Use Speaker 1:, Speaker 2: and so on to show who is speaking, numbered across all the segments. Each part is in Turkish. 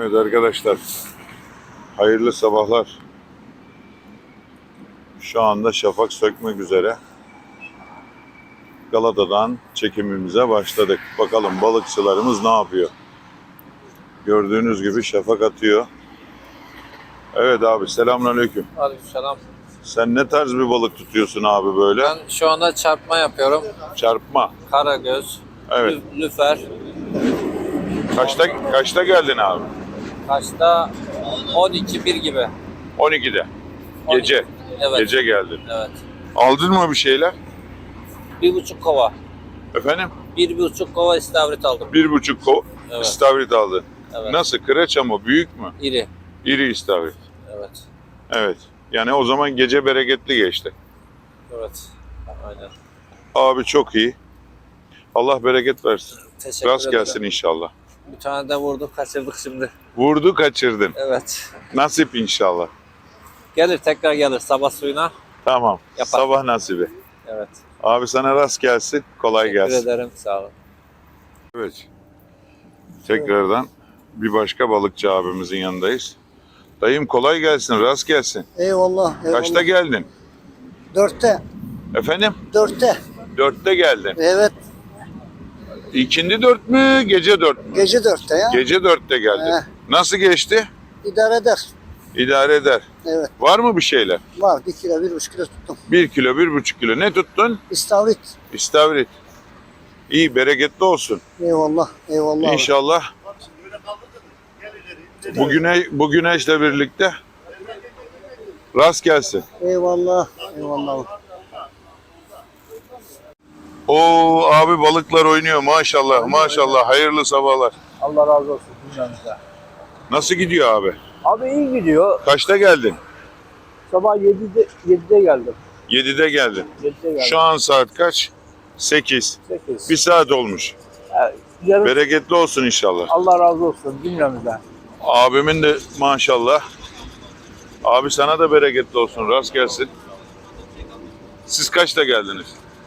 Speaker 1: Evet arkadaşlar, hayırlı sabahlar. Şu anda şafak sökmek üzere. Galata'dan çekimimize başladık. Bakalım balıkçılarımız ne yapıyor? Gördüğünüz gibi şafak atıyor. Evet abi, selamünaleyküm.
Speaker 2: Aleykümselam.
Speaker 1: Sen ne tarz bir balık tutuyorsun abi böyle?
Speaker 2: Ben şu anda çarpma yapıyorum.
Speaker 1: Çarpma.
Speaker 2: Karagöz,
Speaker 1: Evet.
Speaker 2: lüfer.
Speaker 1: Kaçta geldin abi?
Speaker 2: Kaçta? 12-1 gibi.
Speaker 1: 12'de. Gece.
Speaker 2: Evet.
Speaker 1: Gece geldin.
Speaker 2: Evet.
Speaker 1: Aldın mı bir şeyler?
Speaker 2: 1,5 kova.
Speaker 1: Efendim?
Speaker 2: 1,5 kova istavrit aldım.
Speaker 1: 1,5 kova
Speaker 2: Evet.
Speaker 1: istavrit aldın.
Speaker 2: Evet.
Speaker 1: Nasıl? Kıraça mı? Büyük mü?
Speaker 2: İri.
Speaker 1: İri istavrit.
Speaker 2: Evet.
Speaker 1: Evet. Yani o zaman gece bereketli geçti.
Speaker 2: Evet. Aynen.
Speaker 1: Abi çok iyi. Allah bereket versin.
Speaker 2: Teşekkür
Speaker 1: Rast
Speaker 2: ederim.
Speaker 1: gelsin inşallah.
Speaker 2: Bir tane de vurduk, kaçırdık şimdi.
Speaker 1: Vurdu kaçırdın.
Speaker 2: Evet.
Speaker 1: Nasip inşallah.
Speaker 2: Gelir, tekrar gelir sabah suyuna.
Speaker 1: Tamam.
Speaker 2: Yapar.
Speaker 1: Sabah nasibi.
Speaker 2: Evet.
Speaker 1: Abi sana rast gelsin. Kolay
Speaker 2: Teşekkür
Speaker 1: gelsin.
Speaker 2: ederim. Sağ olun.
Speaker 1: Evet. Tekrardan bir başka balıkçı abimizin yanındayız. Dayım kolay gelsin. Rast gelsin.
Speaker 3: Eyvallah, eyvallah.
Speaker 1: Kaçta geldin?
Speaker 3: 4'te,
Speaker 1: Efendim?
Speaker 3: 4'te.
Speaker 1: 4'te geldin.
Speaker 3: Evet,
Speaker 1: İkindi 4 mü? Gece 4 mü?
Speaker 3: gece 4'te ya.
Speaker 1: Gece 4'te geldin.
Speaker 3: He.
Speaker 1: Nasıl geçti?
Speaker 3: İdare eder.
Speaker 1: İdare eder.
Speaker 3: Evet,
Speaker 1: Var mı bir şeyler?
Speaker 3: var. 1 kilo, 1,5 kilo tuttum.
Speaker 1: 1 kilo, 1,5 kilo. Ne tuttun?
Speaker 3: İstavrit.
Speaker 1: İstavrit. İyi, bereketli olsun.
Speaker 3: Eyvallah, eyvallah.
Speaker 1: İnşallah bu güneşle birlikte rast gelsin.
Speaker 3: Eyvallah, eyvallah.
Speaker 1: Oo abi, balıklar oynuyor maşallah maşallah. Hayırlı sabahlar.
Speaker 4: Allah razı olsun dünyamıza.
Speaker 1: Nasıl gidiyor abi?
Speaker 4: Abi iyi gidiyor.
Speaker 1: Kaçta geldin?
Speaker 4: Sabah 7'de geldim.
Speaker 1: 7'de geldin.
Speaker 4: 7'de geldim.
Speaker 1: Şu an saat kaç? 8.
Speaker 4: 8.
Speaker 1: Bir saat olmuş.
Speaker 4: Yarın
Speaker 1: Bereketli olsun inşallah.
Speaker 4: Allah razı olsun cümlemizden.
Speaker 1: Abimin de maşallah. Abi sana da bereketli olsun. Rast gelsin. Siz kaçta geldiniz?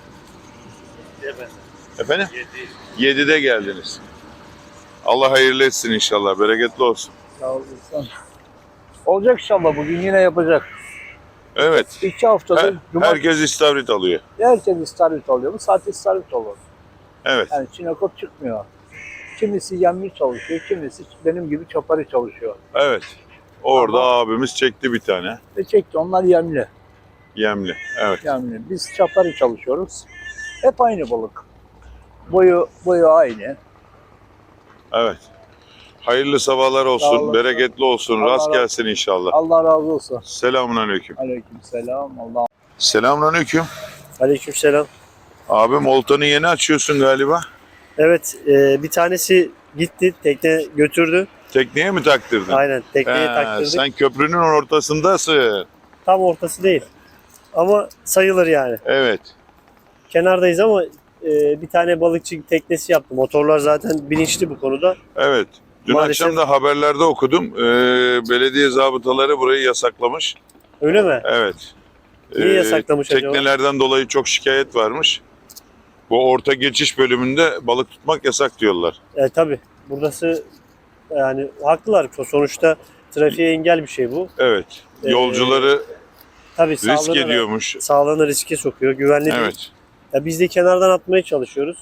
Speaker 1: Efendim? 7'de geldiniz. Allah hayırlı etsin inşallah. Bereketli olsun.
Speaker 4: Sağ olasın. Olacak inşallah bugün yine yapacak.
Speaker 1: Evet.
Speaker 4: 2 haftadır
Speaker 1: Herkes istavrit alıyor.
Speaker 4: herkes istavrit alıyor. Bu saat istavrit olur.
Speaker 1: Evet.
Speaker 4: Yani çinekop çıkmıyor. Kimisi yemli çalışıyor, kimisi benim gibi çapari çalışıyor.
Speaker 1: Evet. Orada abimiz çekti bir tane.
Speaker 4: Ve çekti onlar yemli.
Speaker 1: Yemli. Evet.
Speaker 4: Yemli. Biz çapari çalışıyoruz. Hep aynı balık. Boyu aynı.
Speaker 1: Evet. Hayırlı sabahlar
Speaker 4: Sağ
Speaker 1: olsun.
Speaker 4: olun.
Speaker 1: Bereketli olsun.
Speaker 4: Allah
Speaker 1: Rast
Speaker 4: razı-
Speaker 1: gelsin inşallah.
Speaker 4: Allah razı olsun.
Speaker 1: Selamünaleyküm.
Speaker 4: Aleykümselam. Allah.
Speaker 1: Selamünaleyküm.
Speaker 5: Aleykümselam.
Speaker 1: Abim oltanı yeni açıyorsun galiba.
Speaker 5: Evet, bir tanesi gitti, tekne götürdü.
Speaker 1: Tekneye mi taktırdın?
Speaker 5: Aynen, tekneye
Speaker 1: He,
Speaker 5: taktırdık.
Speaker 1: sen köprünün ortasındasın.
Speaker 5: Tam ortası değil. Ama sayılır yani.
Speaker 1: Evet.
Speaker 5: Kenardayız ama bir tane balıkçı teknesi yaptı. Motorlar zaten bilinçli bu konuda.
Speaker 1: Evet. Dün
Speaker 5: Maalesef-
Speaker 1: akşam da haberlerde okudum. Belediye zabıtaları burayı yasaklamış.
Speaker 5: Öyle mi?
Speaker 1: Evet.
Speaker 5: Niye yasaklamış acaba?
Speaker 1: Teknelerden dolayı çok şikayet varmış. Bu orta geçiş bölümünde balık tutmak yasak diyorlar.
Speaker 5: Tabii. Burası yani haklılar. Sonuçta trafiğe engel bir şey bu.
Speaker 1: Evet. Yolcuları
Speaker 5: Tabii
Speaker 1: risk ediyormuş.
Speaker 5: sağlığını riske sokuyor. Güvenli değil.
Speaker 1: Evet.
Speaker 5: Ya biz de kenardan atmaya çalışıyoruz.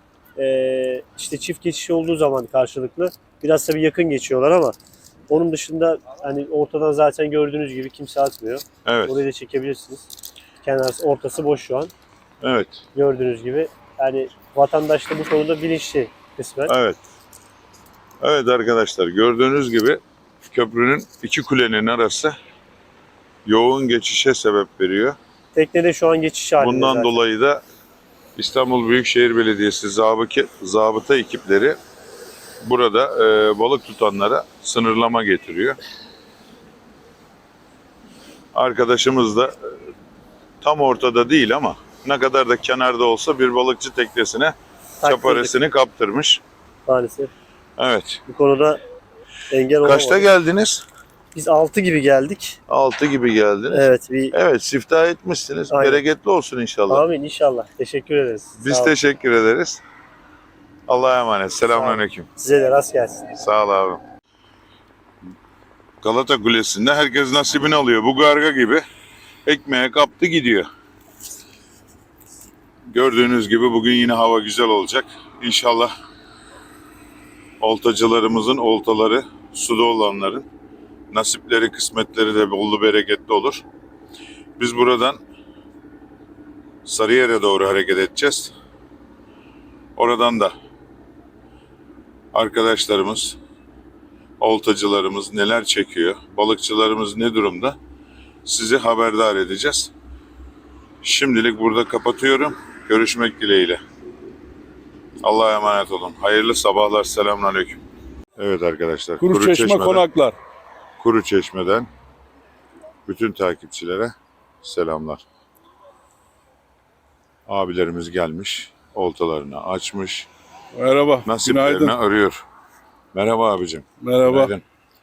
Speaker 5: İşte çift geçiş olduğu zaman karşılıklı biraz tabii yakın geçiyorlar ama onun dışında hani ortadan zaten gördüğünüz gibi kimse atmıyor.
Speaker 1: Evet.
Speaker 5: Orayı da çekebilirsiniz. Ortası boş şu an.
Speaker 1: Evet.
Speaker 5: Gördüğünüz gibi. Yani vatandaş da bu konuda bilinçli kısmen.
Speaker 1: Evet. Evet arkadaşlar, gördüğünüz gibi köprünün iki kulenin arası yoğun geçişe sebep veriyor.
Speaker 5: Teknede şu an geçiş halinde
Speaker 1: Bundan
Speaker 5: zaten.
Speaker 1: dolayı da İstanbul Büyükşehir Belediyesi zabıta ekipleri burada balık tutanlara sınırlama getiriyor. Arkadaşımız da tam ortada değil ama ne kadar da kenarda olsa bir balıkçı teknesine
Speaker 5: Taktırdık
Speaker 1: çaparesini kaptırmış.
Speaker 5: maalesef.
Speaker 1: Evet.
Speaker 5: Bu konuda engel olamadık.
Speaker 1: Kaçta geldiniz?
Speaker 5: Biz 6 gibi geldik.
Speaker 1: 6 gibi geldiniz.
Speaker 5: Evet.
Speaker 1: Evet, siftah etmişsiniz.
Speaker 5: Aynen.
Speaker 1: Bereketli olsun inşallah.
Speaker 5: Amin inşallah. Teşekkür ederiz.
Speaker 1: Biz
Speaker 5: Sağ olun.
Speaker 1: teşekkür ederiz. Allah'a emanet. Selamünaleyküm.
Speaker 5: Size de rast gelsin.
Speaker 1: Sağ ol abi. Galata Kulesi'nde herkes nasibini alıyor. Bu garga gibi ekmeğe kaptı gidiyor. Gördüğünüz gibi bugün yine hava güzel olacak. İnşallah oltacılarımızın oltaları, suda olanların nasipleri, kısmetleri de bollu bereketli olur. Biz buradan Sarıyer'e doğru hareket edeceğiz. Oradan da arkadaşlarımız, oltacılarımız neler çekiyor, balıkçılarımız ne durumda sizi haberdar edeceğiz. Şimdilik burada kapatıyorum. Görüşmek dileğiyle. Allah'a emanet olun. Hayırlı sabahlar. Selamünaleyküm. Evet arkadaşlar.
Speaker 6: Kuruçeşme konaklar.
Speaker 1: Kuruçeşme'den bütün takipçilere selamlar. Abilerimiz gelmiş. Oltalarını açmış.
Speaker 6: Merhaba.
Speaker 1: Nasiplerini
Speaker 6: Günaydın.
Speaker 1: arıyor. Merhaba abicim.
Speaker 6: Merhaba.
Speaker 1: Günaydın.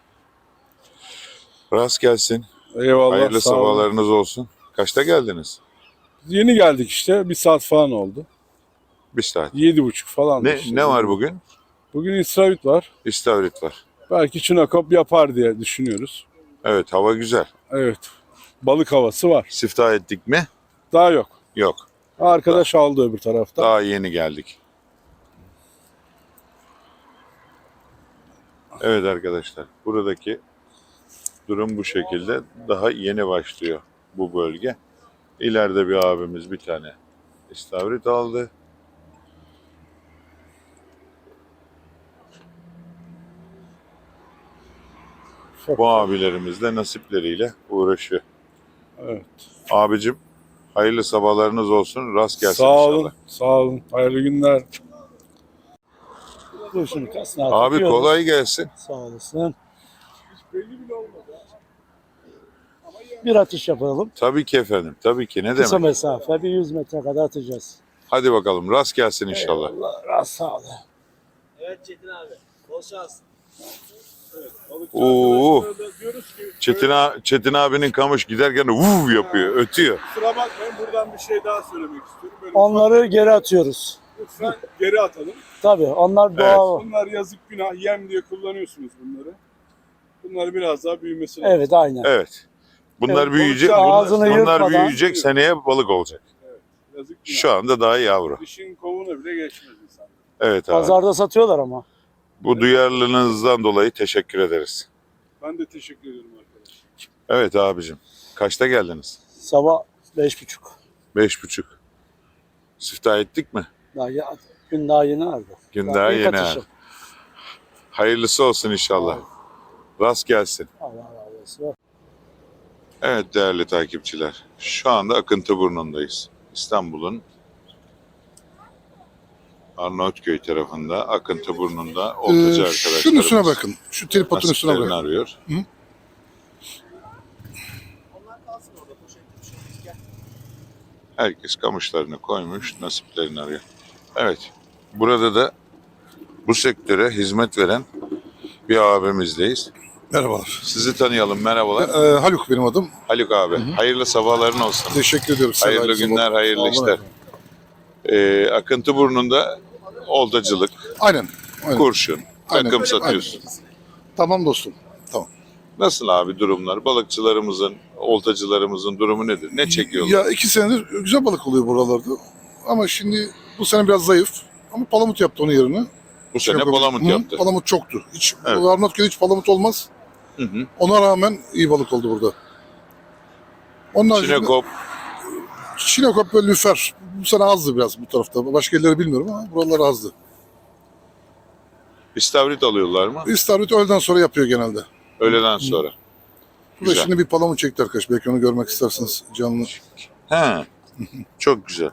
Speaker 1: Rast gelsin.
Speaker 6: Eyvallah.
Speaker 1: Hayırlı
Speaker 6: sağ olun.
Speaker 1: sabahlarınız olsun. Kaçta geldiniz?
Speaker 6: Yeni geldik işte. Bir saat falan oldu.
Speaker 1: Bir saat.
Speaker 6: 7.30 falan.
Speaker 1: Ne var bugün?
Speaker 6: Bugün İsravit var.
Speaker 1: İstavrit var.
Speaker 6: Belki Çinakop yapar diye düşünüyoruz.
Speaker 1: Evet, hava güzel.
Speaker 6: Evet. Balık havası var.
Speaker 1: Siftah ettik mi?
Speaker 6: Daha yok.
Speaker 1: Yok.
Speaker 6: Arkadaş aldı öbür tarafta.
Speaker 1: Daha yeni geldik. Evet arkadaşlar, buradaki durum bu şekilde. Daha yeni başlıyor bu bölge. İleride bir abimiz bir tane istavrit aldı. Bu abilerimiz de nasipleriyle uğraşıyor.
Speaker 6: Evet.
Speaker 1: Abicim, hayırlı sabahlarınız olsun. Rast gelsin
Speaker 6: Sağ
Speaker 1: inşallah.
Speaker 6: olun. Sağ olun. Hayırlı günler.
Speaker 3: Dur şunu kasına
Speaker 1: Abi
Speaker 3: takıyoruz.
Speaker 1: kolay gelsin.
Speaker 3: Sağ olasın. Bir atış yapalım.
Speaker 1: Tabii ki efendim. Tabii ki. Ne
Speaker 3: Kısa
Speaker 1: demek?
Speaker 3: mesafe bir 100 metre kadar atacağız.
Speaker 1: Hadi bakalım. Rast gelsin inşallah.
Speaker 3: Allah razı sağ ol.
Speaker 2: Evet Çetin abi. Bol şans.
Speaker 1: Oo.
Speaker 6: Diyoruz ki
Speaker 1: Çetin abinin kamış giderken de vuv yapıyor, ötüyor.
Speaker 6: kusura bakmayın, buradan bir şey daha söylemek istiyorum. Böyle
Speaker 3: Onları geri atıyoruz.
Speaker 6: lütfen geri atalım.
Speaker 3: Tabii onlar doğal.
Speaker 6: Bunlar yazık, günah, yem diye kullanıyorsunuz bunları. Bunlar biraz daha büyümesi lazım.
Speaker 3: Evet aynen.
Speaker 1: Evet. Bunlar
Speaker 3: Evet,
Speaker 1: büyüyecek.
Speaker 6: balıkçı
Speaker 3: ağzını
Speaker 1: Bunlar
Speaker 3: yırtmadan-
Speaker 1: büyüyecek, seneye balık olacak.
Speaker 6: Yazık, günah.
Speaker 1: Şu anda daha yavru.
Speaker 6: Dişin kovuğuna bile geçmez insan.
Speaker 1: Evet abi.
Speaker 3: Pazarda satıyorlar ama.
Speaker 1: Bu duyarlılığınızdan dolayı teşekkür ederiz.
Speaker 6: Ben de teşekkür ederim arkadaşlar.
Speaker 1: Evet abicim. Kaçta geldiniz?
Speaker 3: Sabah 5.30.
Speaker 1: 5.30. Siftah ettik mi?
Speaker 3: Daha ya, gün daha yeni vardı.
Speaker 1: Gün daha
Speaker 3: ilk
Speaker 1: yeni.
Speaker 3: atışım.
Speaker 1: ha. Hayırlısı olsun inşallah. Rast gelsin.
Speaker 3: Allah razı olsun.
Speaker 1: Evet değerli takipçiler. Şu anda Akıntıburnu'ndayız. İstanbul'un Arnavutköy tarafında Akıntıburnu'nda oltacı arkadaşlarımız.
Speaker 7: Şunun üstüne bakın. Şu tripodun üstüne
Speaker 1: nasiplerini
Speaker 7: bakın.
Speaker 1: arıyor. Herkes kamışlarını koymuş, nasiplerini arıyor. Evet, burada da bu sektöre hizmet veren bir abimizdeyiz.
Speaker 7: Merhabalar.
Speaker 1: Sizi tanıyalım, merhabalar.
Speaker 7: Haluk benim adım.
Speaker 1: Haluk abi, hayırlı sabahların olsun.
Speaker 7: Teşekkür ediyorum. size.
Speaker 1: Hayırlı
Speaker 7: Hayırlı
Speaker 1: günler,
Speaker 7: sabah.
Speaker 1: hayırlı
Speaker 7: Sağ olun
Speaker 1: işler.
Speaker 7: efendim.
Speaker 1: Akıntıburnu'nda oltacılık,
Speaker 7: Aynen. Aynen.
Speaker 1: kurşun,
Speaker 7: Aynen.
Speaker 1: takım satıyorsun.
Speaker 7: Tamam dostum. Tamam.
Speaker 1: Nasıl abi durumlar? Balıkçılarımızın, oltacılarımızın durumu nedir? Ne çekiyorlar?
Speaker 7: Ya 2 senedir güzel balık oluyor buralarda. Ama şimdi bu sene biraz zayıf. Ama palamut yaptı onun yerine.
Speaker 1: Bu sene
Speaker 7: Yok,
Speaker 1: palamut
Speaker 7: Hı,
Speaker 1: yaptı.
Speaker 7: Palamut çoktu. Hiç,
Speaker 1: Evet.
Speaker 7: Arnavutköy'de hiç palamut olmaz.
Speaker 1: Hı hı.
Speaker 7: Ona rağmen iyi balık oldu burada. Onun haricinde
Speaker 1: Çinekop,
Speaker 7: Çinekop ve lüfer. Bu sene azdı biraz bu tarafta. Başka yerleri bilmiyorum ama buralar azdı.
Speaker 1: istavrit alıyorlar mı?
Speaker 7: İstavrit öğleden sonra yapıyor genelde.
Speaker 1: Öğleden sonra.
Speaker 7: Burada
Speaker 1: Güzel.
Speaker 7: şimdi bir palamut çekti arkadaş. Belki onu görmek isterseniz canlı.
Speaker 1: He. Çok güzel.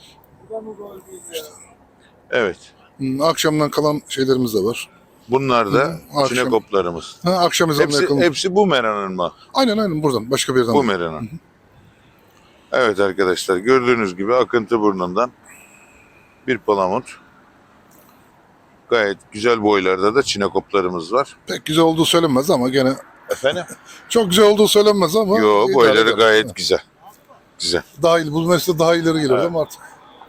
Speaker 1: Evet.
Speaker 7: Akşamdan kalan şeylerimiz de var.
Speaker 1: Bunlar da
Speaker 7: akşam.
Speaker 1: çinekoplarımız.
Speaker 7: Akşam ezanına yakın.
Speaker 1: Hepsi bu meranın mı?
Speaker 7: Aynen buradan. Başka bir yerden.
Speaker 1: Bu meranın. Evet arkadaşlar gördüğünüz gibi Akıntıburnu'ndan bir palamut. Gayet güzel boylarda da çinekoplarımız var.
Speaker 7: Pek güzel olduğu söylenmez ama gene
Speaker 1: Efendim?
Speaker 7: çok güzel olduğu söylenmez ama.
Speaker 1: Yo
Speaker 7: idare
Speaker 1: boyları
Speaker 7: eder.
Speaker 1: gayet güzel. Güzel.
Speaker 7: Daha iyi. Bu mesele daha ileri geliyor ama artık.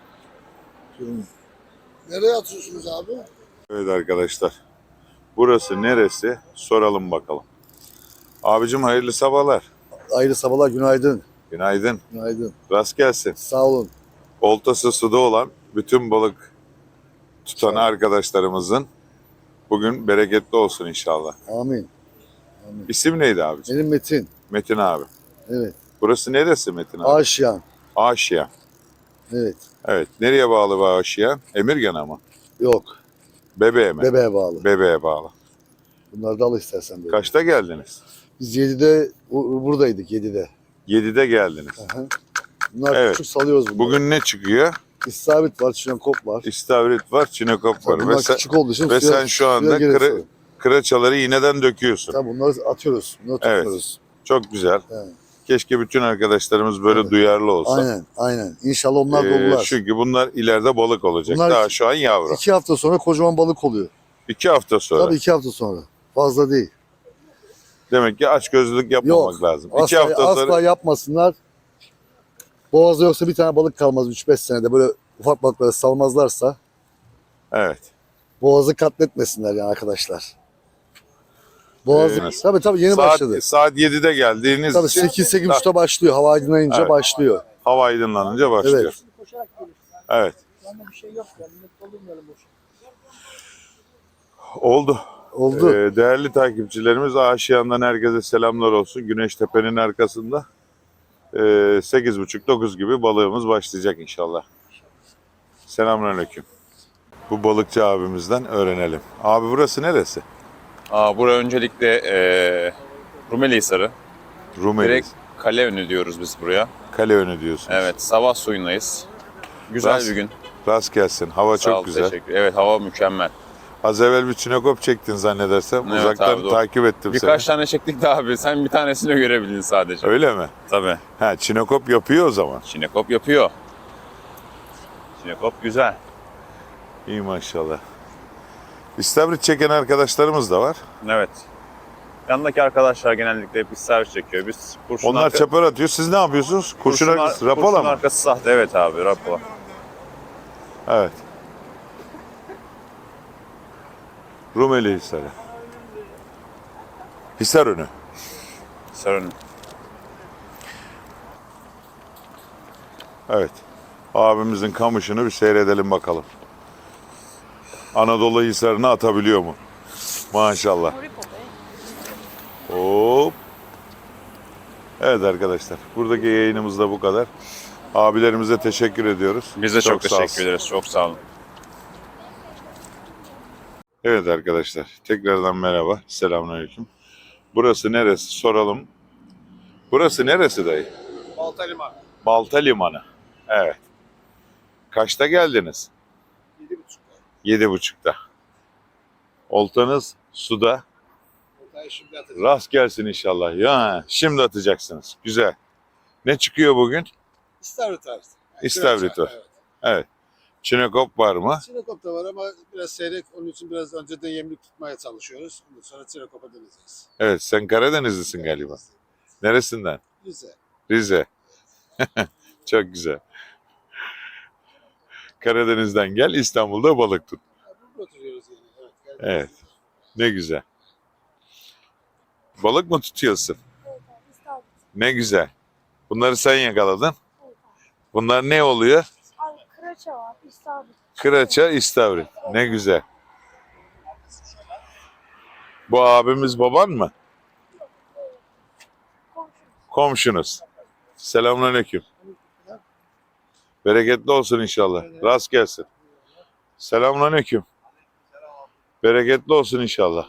Speaker 3: Nereye atıyorsunuz abi?
Speaker 1: Evet arkadaşlar. Burası neresi? Soralım bakalım. Abicim hayırlı sabahlar.
Speaker 3: Hayırlı sabahlar, günaydın.
Speaker 1: Günaydın.
Speaker 3: Günaydın.
Speaker 1: Rast gelsin.
Speaker 3: Sağ olun.
Speaker 1: Oltası suda olan bütün balık tutan arkadaşlarımızın bugün bereketli olsun inşallah.
Speaker 3: Amin.
Speaker 1: İsim neydi abicim?
Speaker 3: Benim Metin.
Speaker 1: Metin abi.
Speaker 3: Evet.
Speaker 1: Burası neresi Metin abi?
Speaker 3: Aşiyan.
Speaker 1: Aşiyan.
Speaker 3: Evet.
Speaker 1: Evet. Nereye bağlı bu Aşiyan? Emirgan'a mı?
Speaker 3: Yok.
Speaker 1: Bebeğe mi?
Speaker 3: Bebeğe bağlı.
Speaker 1: Bebeğe bağlı.
Speaker 3: Bunları da al istersen böyle.
Speaker 1: Kaçta geldiniz?
Speaker 3: Biz 7'de buradaydık 7'de.
Speaker 1: 7'de geldiniz.
Speaker 3: Aha. Bunlar
Speaker 1: Evet.
Speaker 3: küçük salıyoruz bunları.
Speaker 1: Bugün ne çıkıyor?
Speaker 3: İstavrit var, çinenkop var.
Speaker 1: İstavrit var, çinekop var.
Speaker 3: Bunlar
Speaker 1: Ve sen,
Speaker 3: küçük olduğu için
Speaker 1: ve
Speaker 3: suya-
Speaker 1: sen şu anda
Speaker 3: suya girip salıyor.
Speaker 1: kıraçaları iğneden döküyorsun.
Speaker 3: Tabii bunları atıyoruz. Bunları
Speaker 1: Evet.
Speaker 3: tutuyoruz.
Speaker 1: Çok güzel.
Speaker 3: Evet.
Speaker 1: Keşke bütün arkadaşlarımız böyle
Speaker 3: Evet.
Speaker 1: duyarlı olsa.
Speaker 3: Aynen, aynen. İnşallah onlar dolular.
Speaker 1: Çünkü bunlar ileride balık olacak.
Speaker 3: Bunlar-
Speaker 1: Daha şu an yavru.
Speaker 3: 2 hafta sonra kocaman balık oluyor.
Speaker 1: 2 hafta sonra.
Speaker 3: Tabii 2 hafta sonra. Fazla değil.
Speaker 1: Demek ki açgözlülük yapmamak
Speaker 3: Yok.
Speaker 1: lazım.
Speaker 3: Asla,
Speaker 1: 2 hafta
Speaker 3: asla
Speaker 1: sonra
Speaker 3: yapmasınlar. Boğazda yoksa bir tane balık kalmaz 3-5 senede. Böyle ufak balıkları salmazlarsa
Speaker 1: evet.
Speaker 3: boğazı katletmesinler yani arkadaşlar. Boğazı tabii yeni başladı.
Speaker 1: Saat 7'de geldiğiniz
Speaker 3: Tabii
Speaker 1: için
Speaker 3: 8-8.30'da başlıyor. Hava aydınlayınca
Speaker 1: Evet.
Speaker 3: başlıyor.
Speaker 1: hava aydınlanınca başlıyor.
Speaker 3: Evet.
Speaker 2: Koşarak gelir.
Speaker 1: Evet.
Speaker 2: Bende bir şey yok ya. Millet doldurmayalım boş.
Speaker 1: Oldu.
Speaker 3: Oldu.
Speaker 1: Değerli takipçilerimiz Aşiyan'dan herkese selamlar olsun. Güneştepe'nin arkasında 8.30-9 gibi balığımız başlayacak inşallah. Selamünaleyküm. Bu balıkçı abimizden öğrenelim. Abi burası neresi?
Speaker 8: Bura öncelikle Rumelihisarı.
Speaker 1: Rumeli.
Speaker 8: Direkt kale önü diyoruz biz buraya.
Speaker 1: Kale önü diyorsunuz.
Speaker 8: Evet, sabah suyundayız. Güzel
Speaker 1: Rast-
Speaker 8: bir gün.
Speaker 1: Rast gelsin. Hava
Speaker 8: Sağ ol,
Speaker 1: çok güzel.
Speaker 8: teşekkür. Evet, hava mükemmel.
Speaker 1: Az evvel bir çinekop çektin zannedersem.
Speaker 8: Evet
Speaker 1: Uzaktan
Speaker 8: abi, doğru.
Speaker 1: takip ettim
Speaker 8: Birkaç
Speaker 1: seni.
Speaker 8: tane çektik de abi. Sen bir tanesini görebildin sadece.
Speaker 1: Öyle mi?
Speaker 8: Tabii.
Speaker 1: Ha, çinekop yapıyor o zaman.
Speaker 8: Çinekop yapıyor. Çinekop güzel.
Speaker 1: İyi maşallah. İstavrit çeken arkadaşlarımız da var.
Speaker 8: Evet. Yanındaki arkadaşlar genellikle hep servis çekiyor. Biz kurşun
Speaker 1: Onlar çapar atıyor. Siz ne yapıyorsunuz? Kurşun arkası, rapala
Speaker 8: kurşun
Speaker 1: mı?
Speaker 8: arkası sahte. Evet abi, rapala.
Speaker 1: Evet. Rumeli Hisarı. Hisarönü.
Speaker 8: Sarın.
Speaker 1: Evet. Abimizin kamışını bir seyredelim bakalım. Anadolu Hisarı'nı atabiliyor mu? Maşallah. Hop. Evet arkadaşlar. Buradaki yayınımız da bu kadar. Abilerimize teşekkür ediyoruz.
Speaker 8: Biz de çok
Speaker 1: sağ
Speaker 8: teşekkür
Speaker 1: olsun.
Speaker 8: ederiz. Çok sağ olun.
Speaker 1: Evet arkadaşlar. Tekrardan merhaba. Selamünaleyküm. Burası neresi? Soralım. Burası neresi dayı?
Speaker 6: Balta Liman.
Speaker 1: Balta Limanı. Evet. Kaçta geldiniz?
Speaker 6: 7.30'da.
Speaker 1: 7.30'da. Oltanız suda.
Speaker 6: Ortaya şimdi atacağım.
Speaker 1: Rast gelsin inşallah. Ya şimdi atacaksınız. Güzel. Ne çıkıyor bugün?
Speaker 6: İstavrit tarzı.
Speaker 1: İstavrit var. Evet. Çinekop var mı?
Speaker 6: Çinekop da var ama biraz seyrek. Onun için biraz önceden yemlik tutmaya çalışıyoruz. Ondan sonra Çinekop'a döneceğiz.
Speaker 1: Evet, sen Karadenizlisin galiba. Neresinden?
Speaker 6: Güzel.
Speaker 1: Rize. Çok güzel. Karadeniz'den gel, İstanbul'da balık tut.
Speaker 6: Burada oturuyoruz yani. Evet.
Speaker 1: Evet. Ne güzel. Balık mı tutuyorsun? Ne güzel. Bunları sen yakaladın. Bunlar ne oluyor?
Speaker 9: Abi kıraça var, istavrit.
Speaker 1: Kıraça, istavrit. Ne güzel. Bu abimiz baban mı? Komşunuz. Selamünaleyküm. Bereketli olsun inşallah. Rast gelsin. Selamünaleyküm. Bereketli olsun inşallah.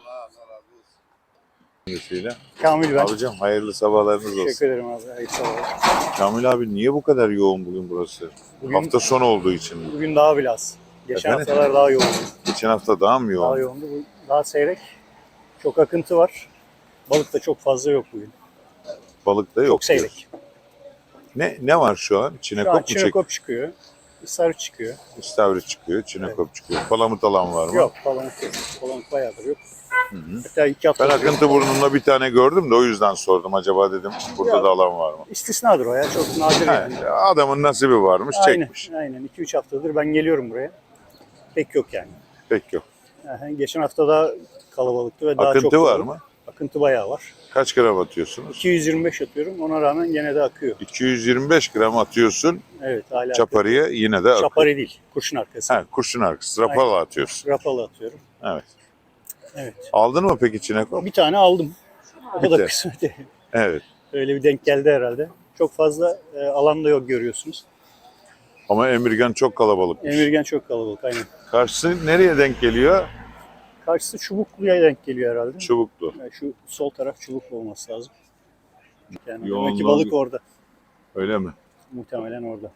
Speaker 3: Kamil ben.
Speaker 1: Abicim hayırlı sabahlarınız olsun.
Speaker 3: Teşekkür ederim abi. Hayırlı sabahlar.
Speaker 1: Kamil abi niye bu kadar yoğun bugün burası?
Speaker 3: Bugün,
Speaker 1: Hafta sonu olduğu için mi?
Speaker 3: bugün daha biraz. Geçen
Speaker 1: Efendim?
Speaker 3: haftalar daha yoğundu.
Speaker 1: Geçen hafta daha mı yoğun?
Speaker 3: Daha yoğundu. Bu daha seyrek. Çok akıntı var. Balık da çok fazla yok bugün.
Speaker 1: Balık da yok.
Speaker 3: Çok seyrek.
Speaker 1: Ne var şu an?
Speaker 3: Şu an
Speaker 1: Çinekop mu çekiyor?
Speaker 3: çinekop çıkıyor. İstavrit çıkıyor.
Speaker 1: İstavrit çıkıyor, çinekop çıkıyor. Palamut alan var mı?
Speaker 3: Yok palamut yok. Palamut bayağıdır yok.
Speaker 1: Hı hı.
Speaker 3: Hatta 2 hafta
Speaker 1: Ben akıntı burnunda bir tane gördüm de o yüzden sordum. Acaba dedim burada
Speaker 3: Ya.
Speaker 1: da alan var mı?
Speaker 3: İstisnadır o ya. Çok nadir yani.
Speaker 1: He, adamın nasibi varmış, çekmiş.
Speaker 3: Aynen. 2-3 haftadır ben geliyorum buraya. Pek yok yani.
Speaker 1: Pek yok.
Speaker 3: Geçen hafta daha kalabalıktı ve daha çok
Speaker 1: Akıntı var
Speaker 3: oldu.
Speaker 1: mı?
Speaker 4: Akıntı bayağı var.
Speaker 1: Kaç gram atıyorsunuz?
Speaker 4: 225 atıyorum. Ona rağmen gene de akıyor.
Speaker 1: 225 gram atıyorsun.
Speaker 4: Evet hala
Speaker 1: Çaparıya yine de akıyor.
Speaker 4: Çapari değil. Kurşun arkası.
Speaker 1: Ha, kurşun arkası. Rapala atıyorsun.
Speaker 4: Rapalı atıyorum.
Speaker 1: Evet.
Speaker 4: Evet.
Speaker 1: Aldın mı peki çinekop?
Speaker 4: Bir tane aldım. O da
Speaker 1: Bitti.
Speaker 4: kısmeti.
Speaker 1: Evet.
Speaker 4: Öyle bir denk geldi herhalde. Çok fazla alanda yok görüyorsunuz.
Speaker 1: Ama Emirgan çok kalabalıkmış.
Speaker 4: Emirgen çok kalabalık aynen.
Speaker 1: Karşısı nereye denk geliyor?
Speaker 4: Karşısı Çubuklu'ya denk geliyor herhalde.
Speaker 1: Çubuklu.
Speaker 4: Yani şu sol taraf Çubuklu olması lazım. Yani
Speaker 1: Yoğunluğu
Speaker 4: demek ki balık
Speaker 1: bir-
Speaker 4: orada.
Speaker 1: Öyle mi?
Speaker 4: Muhtemelen orada.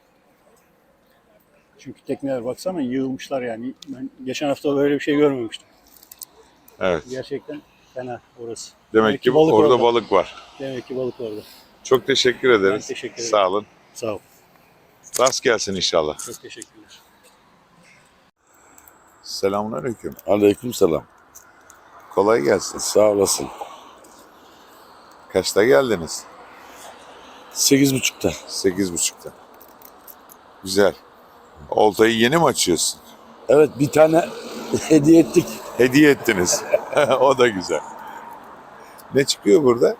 Speaker 4: Çünkü tekneler baksana yığılmışlar yani. Ben geçen hafta böyle bir şey görmemiştim.
Speaker 1: Evet.
Speaker 4: Gerçekten fena orası.
Speaker 1: Demek ki
Speaker 4: balık
Speaker 1: orada
Speaker 4: orada.
Speaker 1: balık var.
Speaker 4: Demek ki balık orada.
Speaker 1: Çok teşekkür ederiz.
Speaker 4: Ben teşekkür ederim.
Speaker 1: Sağ olun.
Speaker 4: Sağ ol.
Speaker 1: Rast gelsin inşallah.
Speaker 4: Çok teşekkürler.
Speaker 1: Selamünaleyküm.
Speaker 10: Aleykümselam.
Speaker 1: Kolay gelsin.
Speaker 10: Sağ olasın.
Speaker 1: Kaçta geldiniz?
Speaker 10: 8.30'da.
Speaker 1: 8.30'da. Güzel. Oltayı yeni mi açıyorsun?
Speaker 10: Evet, bir tane hediye ettik.
Speaker 1: Hediye ettiniz. O da güzel. Ne çıkıyor burada?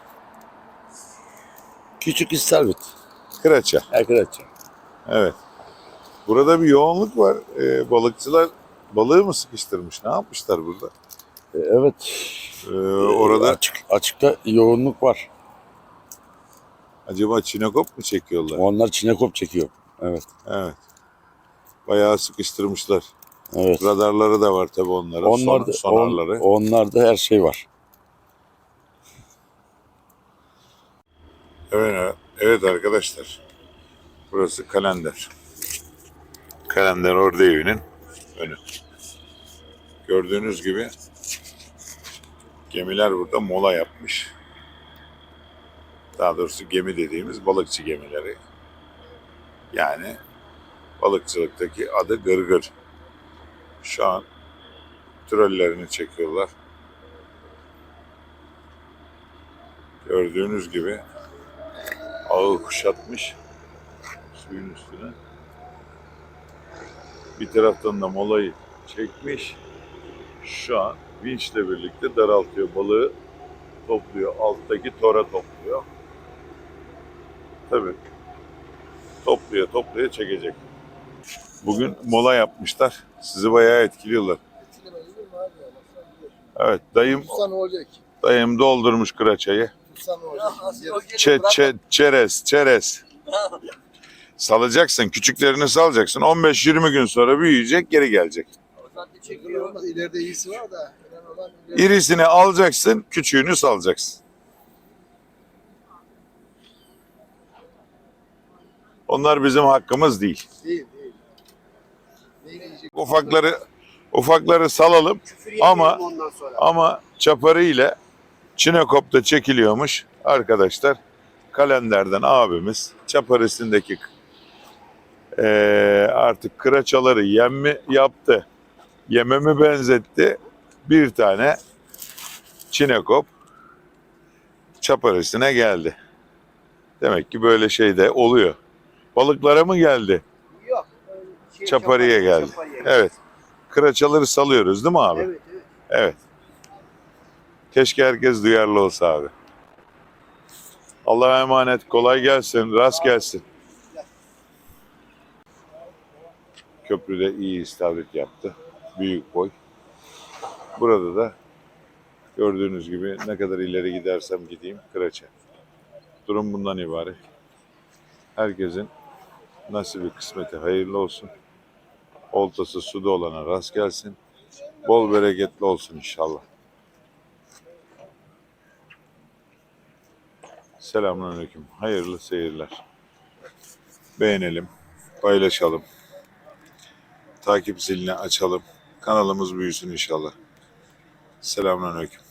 Speaker 10: Küçük istavrit.
Speaker 1: Kıraça.
Speaker 10: Arkadaşlar.
Speaker 1: Evet. Burada bir yoğunluk var. Balıkçılar balığı mı sıkıştırmış? Ne yapmışlar burada?
Speaker 10: Evet.
Speaker 1: Orada
Speaker 10: Açıkta yoğunluk var.
Speaker 1: acaba çinekop mu çekiyorlar?
Speaker 10: Onlar çinekop çekiyor. Evet.
Speaker 1: Evet. Bayağı sıkıştırmışlar.
Speaker 10: Evet.
Speaker 1: Radarları da var tabii onların.
Speaker 10: Onlarda,
Speaker 1: Sonarları.
Speaker 10: onlarda her şey var.
Speaker 1: Evet, evet arkadaşlar. Burası Kalender. Kalender Ordu Evi'nin önü. Gördüğünüz gibi gemiler burada mola yapmış. Daha doğrusu gemi dediğimiz balıkçı gemileri. Yani balıkçılıktaki adı gırgır. Şu an trollerini çekiyorlar. Gördüğünüz gibi ağı kuşatmış suyun üstüne. Bir taraftan da molayı çekmiş. Şu an vinçle birlikte daraltıyor. Balığı topluyor. Alttaki tora topluyor. Tabii. Topluyor çekecek. Bugün mola yapmışlar. Sizi bayağı etkiliyorlar. Evet,
Speaker 3: Tutsa ne olacak?
Speaker 1: dayım doldurmuş kıraçayı.
Speaker 3: Tutsa ne olacak?
Speaker 1: Çerez. Salacaksın, küçüklerini salacaksın. 15-20 gün sonra büyüyecek, geri gelecek.
Speaker 3: Olmaz. İleride iyisi var da. Önemli olan
Speaker 1: İrisini alacaksın, küçüğünü salacaksın. Onlar bizim hakkımız değil.
Speaker 3: değil. Neyi yiyecek?
Speaker 1: Ufakları salalım ama çaparı ile çinekopta çekiliyormuş arkadaşlar. Kalenderden abimiz çaparisindeki artık kıraçaları yem yaptı. Yeme mi benzetti? Bir tane çinekop çaparisine geldi. Demek ki böyle şey de oluyor. Balıklara mı geldi?
Speaker 2: Yok.
Speaker 1: Çapariye geldi. Evet. Kıraçaları salıyoruz değil mi abi?
Speaker 2: Evet.
Speaker 1: Evet. Keşke herkes duyarlı olsa abi. Allah'a emanet. Kolay gelsin. Rast gelsin. Köprüde iyi istavrit yaptı. Büyük boy. Burada da gördüğünüz gibi ne kadar ileri gidersem gideyim kıraça. Durum bundan ibaret. Herkesin nasibi kısmeti hayırlı olsun. Oltası suda olana rast gelsin. Bol bereketli olsun inşallah. Selamünaleyküm. Hayırlı seyirler. Beğenelim, paylaşalım. Takip zilini açalım. Kanalımız büyüsün inşallah. Selamünaleyküm.